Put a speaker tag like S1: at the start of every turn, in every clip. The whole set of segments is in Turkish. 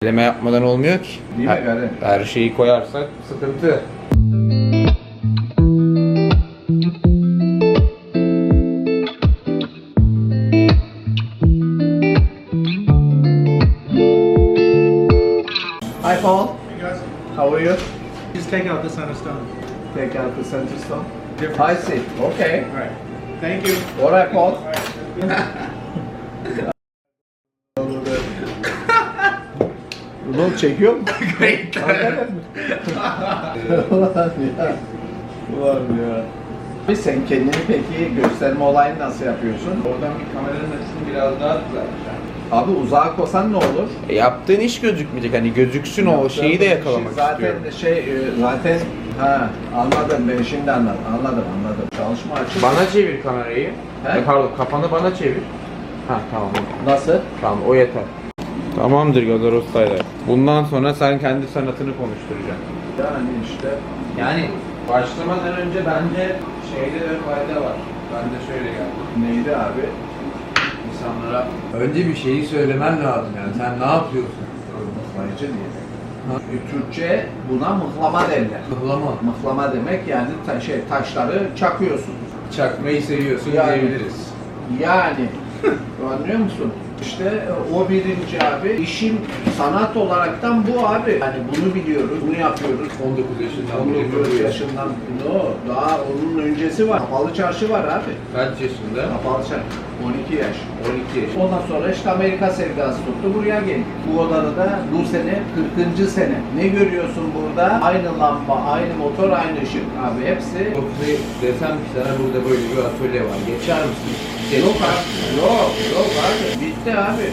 S1: Eleme yapmadan olmuyor ki.
S2: Değil mi Garen?
S1: Her şeyi koyarsak sıkıntı.
S2: Hi Paul,
S3: Hey guys,
S2: how are you?
S3: just take out the center stone.
S2: Take out the center stone.
S3: Different.
S2: I see. Okay.
S3: All right. Thank you.
S2: Alright Paul.
S3: All right.
S2: Bunu çekiyor mu? Hakikaten mi? Ulan ya. Ulan ya. Sen kendini peki gösterme olayını nasıl yapıyorsun?
S1: Oradan bir kameranın açısını biraz daha düzelteceğim.
S2: Abi uzağa kosan ne olur?
S1: Yaptığın iş gözükmeyecek. Hani gözüksün o şeyi de yakalamak
S2: zaten
S1: istiyorum.
S2: Zaten anladım ben şimdi anladım. Çalışma açık.
S1: Bana çevir kamerayı.
S2: He?
S1: Pardon, kafanı bana çevir. Ha tamam.
S2: Nasıl?
S1: Tamam, o yeter. Tamamdır Gazar Usta'yla. Bundan sonra sen kendi sanatını konuşturacaksın.
S2: Yani işte.
S1: Yani başlamadan önce bence şeyde de fayda var. Ben de şöyle geldim.
S2: Neydi abi?
S1: İnsanlara önce bir şeyi söylemen lazım yani. Sen ne yapıyorsun?
S2: Mıhlayıcı diye. Türkçe buna mıhlama derler.
S1: Mıhlama.
S2: Mıhlama demek yani taşları çakıyorsun.
S1: Çakmayı seviyorsun
S2: Yani.
S1: diyebiliriz.
S2: Yani anlıyor musun? İşte o birinci abi. İşin sanat olaraktan bu abi. Yani bunu biliyoruz, bunu yapıyoruz.
S1: 19 yaşından beri
S2: 19 yaşından daha onun öncesi var. Kapalı çarşı var abi.
S1: Kaç yaşında?
S2: Kapalı çarşı. 12 yaş.
S1: 12 yaş.
S2: Ondan sonra işte Amerika sevdası tuttu, buraya geldik. Bu odada da bu sene 40. sene. Ne görüyorsun burada? Aynı lamba, aynı motor, aynı ışık. Abi hepsi...
S1: Desem ki sana burada böyle bir atölye var. Geçer misin?
S2: Yok abi, yok abi. Bitti abi.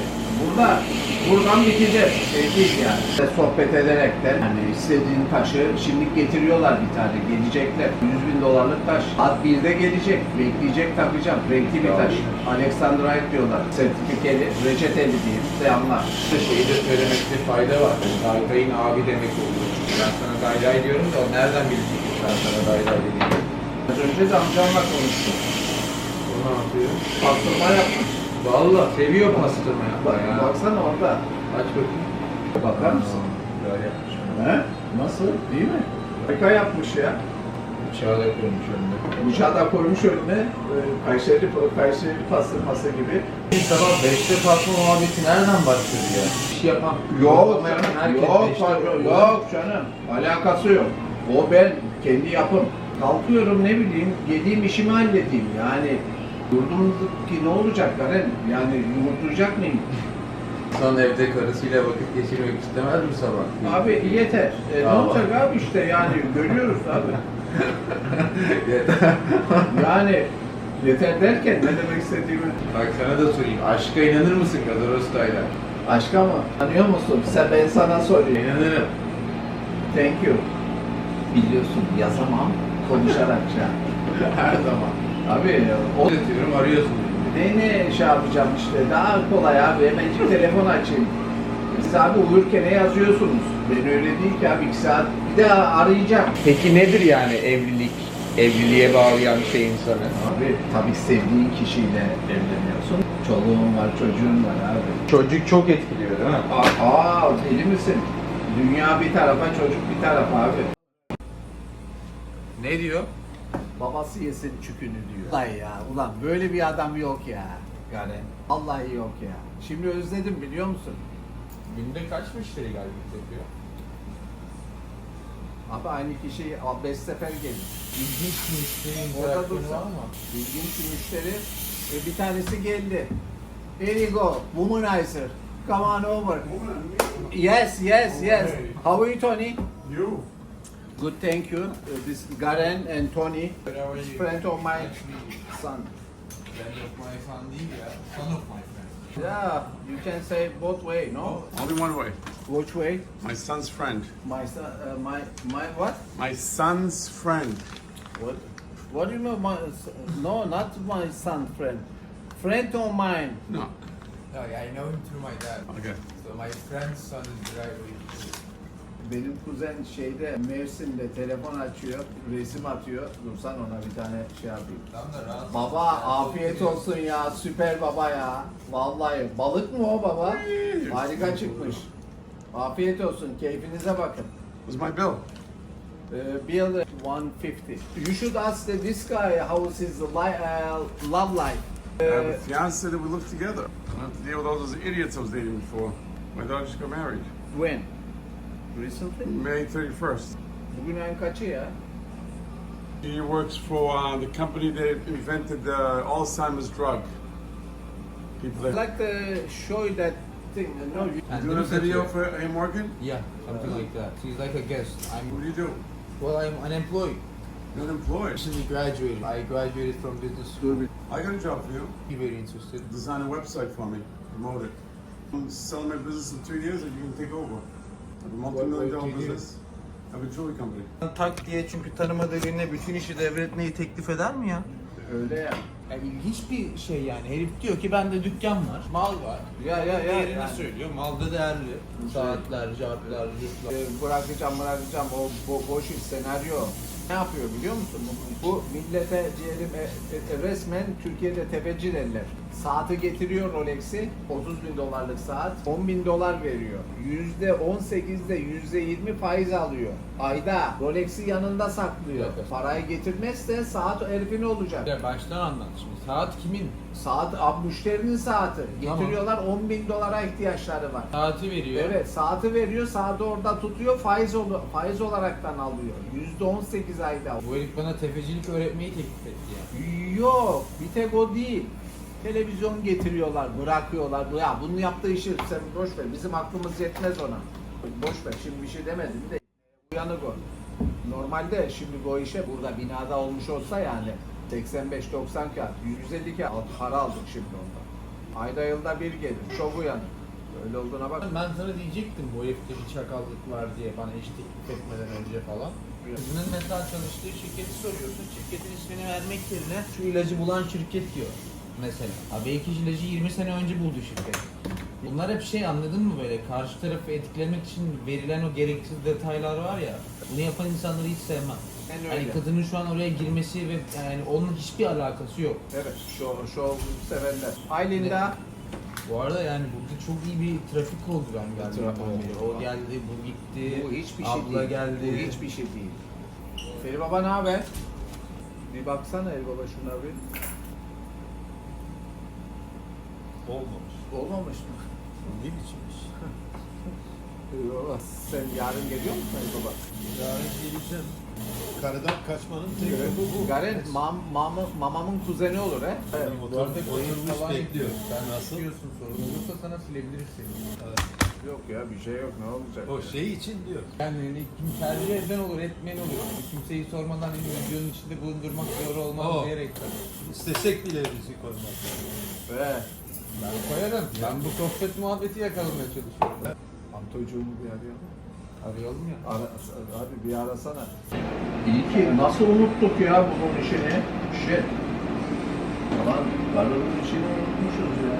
S2: Buradan biteceğiz. Değil yani. Sohbet ederekten hani istediğin taşı şimdi getiriyorlar bir tane. Gelecekler. $100.000 taş. Saat 1'de gelecek. Bekleyecek takacağım. Renkli bir taş. Alexandrite diyorlar. Sertifikeli, reçeteli diyeyim. Selamlar.
S1: Şeyi de söylemekte fayda var. Dayday'ın abi demek oluyor. Ben sana Dayday diyorum da o nereden bilecek ki ben sana Dayday dediğimi?
S2: Az önce de amcamla konuştum.
S1: O ne yapıyor?
S2: Pastırma yapmış.
S1: Valla seviyor pastırma yapmayı ya.
S2: Baksana orada.
S1: Aç bakayım.
S2: Bakar mısın?
S1: Böyle yapmış.
S2: He? Nasıl? Değil mi? Harika yapmış ya.
S1: Bıçağı da koymuş önüne.
S2: Bıçağı da koymuş önüne. Kayseri pastırması gibi.
S1: Sabah 5'te kalkma muhabbeti nereden başladı ya? İş yapan.
S2: Yok
S1: herkes
S2: canım,
S1: beşte
S2: yok
S1: kalkıyor.
S2: canım. Alakası yok. O ben kendi yapım. Kalkıyorum ne bileyim, yediğim işimi halledeyim. Yani durdum ki ne olacak Karen? Yani yumurtlayacak mıyım?
S1: Son evde karısıyla vakit geçirmek istemez mi sabah?
S2: Abi yeter. Ne
S1: Aa.
S2: olacak abi işte yani görüyoruz abi. Yani yeter derken ne demek istediğimi.
S1: Bak sana da sorayım. Aşka inanır mısın Gazar Usta'yla?
S2: Aşka mı? Tanıyor musun? Ben sana sorayım.
S1: İnanırım.
S2: Thank you. Biliyorsun yazamam konuşarak ya.
S1: Her zaman.
S2: Abi o
S1: Diyorum arıyorsun.
S2: ne şey yapacağım işte daha kolay abi hemencik telefon açayım. Siz abi uyurken ne yazıyorsunuz? Ben öyle değil ki abi 2 saat bir daha arayacağım.
S1: Peki nedir yani evlilik? Evliliğe bağlayan şey insanı.
S2: Abi tabii sevdiğin kişiyle evleniyorsun. Çoluğun var, çocuğun var abi.
S1: Çocuk çok etkiliyor değil mi?
S2: Deli misin? Dünya bir tarafa, çocuk bir tarafa abi.
S1: Ne diyor?
S2: Babası yesin çükünü diyor. Ulan ya, ulan böyle bir adam yok ya.
S1: Yani
S2: Vallahi yok ya. Şimdi özledim biliyor musun?
S1: günde kaç müşteri geldik yapıyor?
S2: Abi aynı kişi 5 sefer gelir.
S1: İlginç müşteri
S2: Orada
S1: interaksiyonu
S2: dursa.
S1: var mı?
S2: İlginç bir müşteri. Bir tanesi geldi. Here you go, womanizer. Come on over. Yes. How are you, Tony?
S3: You.
S2: Good, thank you. This Garen and Tony,
S1: How are you?
S2: friend of my son.
S1: Friend of my son değil ya. Son of my friend.
S2: Yeah, you can say both way, no?
S3: Only one way.
S2: Which way?
S3: My son's friend.
S2: My son, my what?
S3: My son's friend.
S2: What do you know? No, not my son friend. Friend of mine.
S3: No.
S4: No, I know him through my dad.
S3: Okay.
S4: So my friend's son is right with
S2: Benim kuzen şeyde Mersin'de telefon açıyor, resim atıyor. Dursan ona bir tane şey yapayım.
S4: Tam da rahatsız.
S2: Baba afiyet olsun ya, süper baba ya. Vallahi balık mı o baba? Harika çıkmış. Afiyet olsun. Keyfinize bakın.
S3: Where's my bill?
S2: Bill 150. You should ask this guy how is his love life.
S3: I have a fiance that we live together. I don't have to deal with all those idiots I was dating before. My daughter just got married.
S2: When? Recently?
S3: May 31st.
S2: Bugün ayın kaçı ya?
S3: She works for the company that invented the Alzheimer's drug. People that...
S2: Like the show that thing, no?
S3: You doing a video for A. Morgan?
S4: Yeah, something like that. She's like a guest.
S3: What
S4: I'm
S3: do you do?
S4: well, I'm unemployed.
S3: You're unemployed.
S4: Recently graduated. I graduated from business school.
S3: I got a job for you.
S4: Be very interested.
S3: Design a website for me. Promote it. I'm selling my business in 2 years and you can take over. I have a multi-million-dollar
S4: What do you do?
S3: business. I have a jewelry company.
S5: Tak diye çünkü tanımadığı birine bütün işi devretmeyi teklif eder mi ya?
S2: Öyle ya.
S5: Ya ilginç bir şey yani. Herif diyor ki bende dükkan var, mal var.
S2: Ya.
S5: Değerini
S2: yani.
S5: söylüyor. Mal da değerli. Saatler, cartlar, yurtlar.
S2: Bırakacağım o boş iş senaryo. Ne yapıyor biliyor musun? Bu millete diyelim resmen Türkiye'de tefeci derler. Saati getiriyor Rolex'i, 30 bin dolarlık saat, 10 bin dolar veriyor. %18'de %20 faiz alıyor. Ayda Rolex'i yanında saklıyor.
S4: Evet.
S2: Parayı getirmezse saat herifin olacak.
S4: Ya baştan anlat şimdi. Saat kimin?
S2: Saat müşterinin saati.
S4: Tamam.
S2: Getiriyorlar 10 bin dolara ihtiyaçları var.
S4: Saati veriyor.
S2: Evet, saati veriyor, saati orada tutuyor, faiz olaraktan alıyor. %18 ayda.
S4: Bu herif bana tefecilik öğretmeyi teklif etti ya.
S2: Yok, bir tek o değil. Televizyon getiriyorlar, bırakıyorlar. Ya bunu yaptığı işi sen boş ver, bizim aklımız yetmez ona. Boş ver, şimdi bir şey demedim de uyanık o. Normalde şimdi bu işe burada binada olmuş olsa yani 85-90 kağıt, 150 kağıt para aldık şimdi ondan. Ayda yılda bir gelir, çok uyanık. Öyle olduğuna bak.
S4: Ben sana diyecektim bu herifte bir çakallık var diye bana iş teklif etmeden önce falan. Kızının mesela çalıştığı şirketi soruyorsun. Şirketin ismini vermek yerine şu ilacı bulan şirket diyor. Mesela. Abi belki ilacı 20 sene önce buldu şirket. Bunlar hep şey anladın mı böyle karşı tarafı etkilemek için verilen o gereksiz detaylar var ya. Bunu yapan insanları hiç sevmem.
S2: En öyle.
S4: Yani kadının şu an oraya girmesi ve yani onun hiçbir alakası yok.
S2: Evet, şov severler. Aylin'de
S4: Bu arada yani burada çok iyi bir trafik oldu ben geldiğimden
S2: Trafik oldu.
S4: beri. O geldi, bu gitti,
S2: bu hiçbir şey
S4: abla
S2: değil.
S4: geldi.
S2: Bu hiçbir şey değil. Feri Baba ne haber? Bir baksana El Baba şuna bir.
S5: Olmamış.
S2: Olmamış mı?
S5: Ne biçim iş?
S2: Yok. Sen yarın geliyor musun El Baba?
S5: Yarın geleceğim. Karıdan kaçmanın tek yolu bu.
S2: Garen mamamın kuzeni olur he.
S5: Evet,
S4: Bu arada
S5: oturmuş
S4: falan
S5: bekliyor.
S4: Sen
S5: Nasıl?
S4: istiyorsun sorun olursa sana silebiliriz seni.
S2: Yok ya bir şey yok ne olacak?
S5: O şey için diyor.
S4: Yani hani kim tercih eden olur, etmeyen olur. Yani kimseyi sormadan hani videonun içinde bulundurmak doğru olmaz
S5: Oh.
S4: diyerekten.
S5: İstesek bile bizi koymaz.
S4: Ben koyarım. Ben bu sohbet muhabbeti yakalamaya çalışıyorum.
S2: Antocuğumu bir arayalım.
S4: Arayalım ya.
S2: Abi bir arasana. İyi ki nasıl unuttuk ya bunun işini? Shit. Aman karının işini unutmuşuz ya.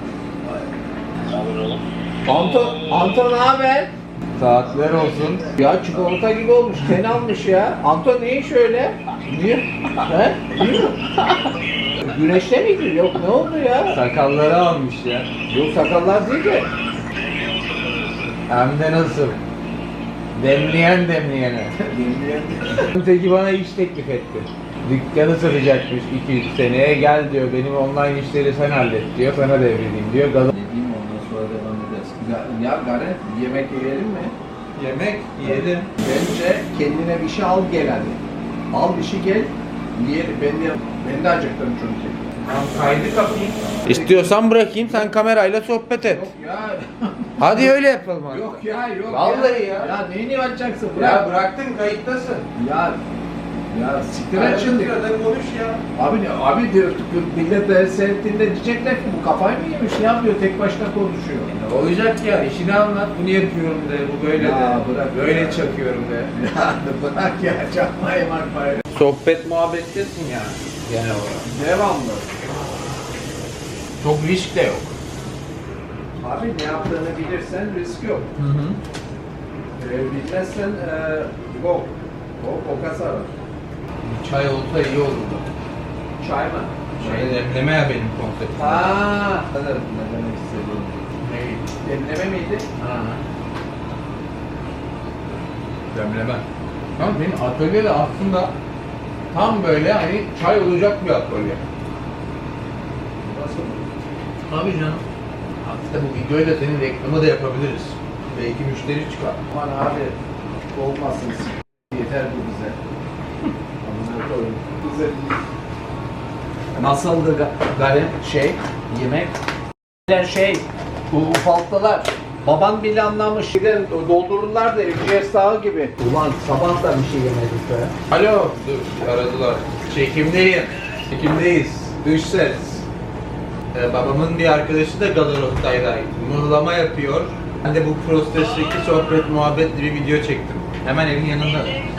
S2: Anton ne haber?
S4: Saatler olsun.
S2: Ya çikolata gibi olmuş, ten almış ya. Anton ne iş öyle? Niye? He? Niye? Güneşte miydi? Yok ne oldu ya?
S4: Sakalları almış ya.
S2: Yok sakallar değil de.
S4: Hem de nasıl? Demleyen demleyene. Öteki bana iş teklif etti. Dükkanı satacakmış 2-3 seneye. Gel diyor benim online işleri sen hallet diyor. Sana devredeyim diyor. Gaza...
S2: Ne diyeyim ondan sonra devam ederiz. Ya Garen yemek yiyelim mi?
S4: Yemek yedim.
S2: Bence kendine bir şey al gel hadi. Al bir şey gel. Yiyelim. Ben de acıktım çünkü.
S4: Kaydı kapayım. İstiyorsan bırakayım sen kamerayla sohbet et.
S2: Yok ya.
S4: Hadi öyle yapalım abi.
S2: Yok ya yok
S4: Vallahi ya.
S2: Ya neyini açacaksın? Bırak.
S4: Ya bıraktın kayıttasın.
S2: Ya siktir et şimdi.
S4: konuş ya.
S2: Abi diyor millet de seyrettiğinde diyecekler ki bu kafayı mı yemiş ne yapıyor tek başına konuşuyor.
S4: Ne olacak ya işini anlat bunu yapıyorum de bu böyle
S2: Ya
S4: de.
S2: bırak
S4: Böyle
S2: ya.
S4: çakıyorum de.
S2: Ya bırak ya çakmayı marmayı.
S4: Sohbet muhabbettesin ya. Genel olarak.
S2: Devamlı.
S4: Çok risk de yok.
S2: Abi ne yaptığını bilirsen risk yok.
S4: Hı hı.
S2: Bilmezsen go. O kasar.
S4: Çay olsa iyi olurdu.
S2: Çay mı?
S4: Çay demleme ya benim konseptim.
S2: Anladım. Ne demek istediğini. Demleme miydi?
S4: Ha.
S1: Demleme. Tamam benim atölye de aslında tam böyle hani çay olacak bir atölye.
S4: Tabii canım.
S1: Aslında bu videoyla da senin reklamı da yapabiliriz. Belki müşteri çıkar.
S2: Aman abi olmasın. Yeter bu bize. Amına koyayım. Bize nasıldı Galim yemek? Şey bu ufalttılar. Baban bile anlamış. Giden doldururlar da Erciyes Dağı gibi. Ulan sabah da bir şey yemedik be.
S1: Alo. Dur aradılar. Çekimdeyim. Çekimdeyiz. Dış ses. Babamın bir arkadaşı da Galatasaray'da mıhlama yapıyor. Ben de bu Prostes'teki sohbet muhabbetli bir video çektim. Hemen evin yanında.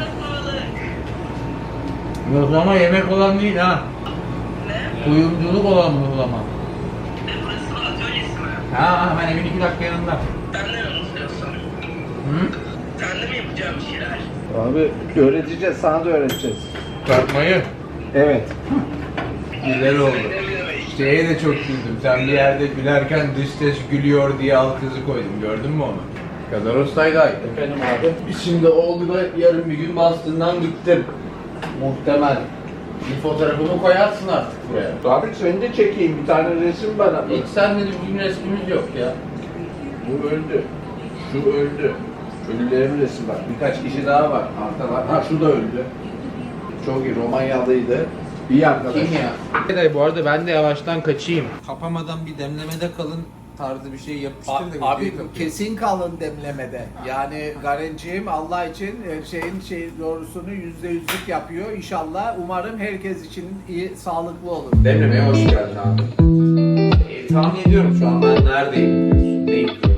S1: Mıhlama yemek olan değil ha. Kuyumculuk olan mıhlama.
S6: Burası atölyesi mi?
S1: Ha hemen evin 2 dakika yanında.
S6: Sen de mi unutuyorsun?
S1: Hı?
S6: Sen de mi yapacağım bir şeyler?
S2: Abi öğreteceğiz, sana da öğreteceğiz.
S1: Tartmayı.
S2: Evet.
S1: Güzel oldu.
S6: Ne demek?
S1: Şeye de çok güldüm. Sen bir yerde gülerken dış ses gülüyor diye alt yazı koydum. Gördün mü onu? Kadarostay'daydı.
S2: Efendim abi. Şimdi oldu da yarın bir gün bastığından gittim. Muhtemel.
S1: Bir fotoğrafımı koyarsın artık buraya.
S2: Abi seni de çekeyim, bir tane resim bana.
S1: Hiç senle de bugün resmimiz yok ya.
S2: Bu öldü. Şu öldü. Ölülerin resmi var. Birkaç kişi daha var. Artalar. Ha şu da öldü. Çok iyi. Romanyalıydı. İyi arkadaş.
S1: Kim ya? Bu arada ben de yavaştan kaçayım.
S4: Kapamadan bir demlemede kalın tarzı bir şey yapıştır da
S5: Abi
S4: videoyu kapayım.
S5: kesin kalın demlemede. Yani Garenciğim Allah için doğrusunu %100'lük yapıyor. İnşallah umarım herkes için iyi, sağlıklı olur.
S1: Demlemeye hoş geldin abi. Tahmin ediyorum şu an ben neredeyim diyorsun. Ne yapıyorum?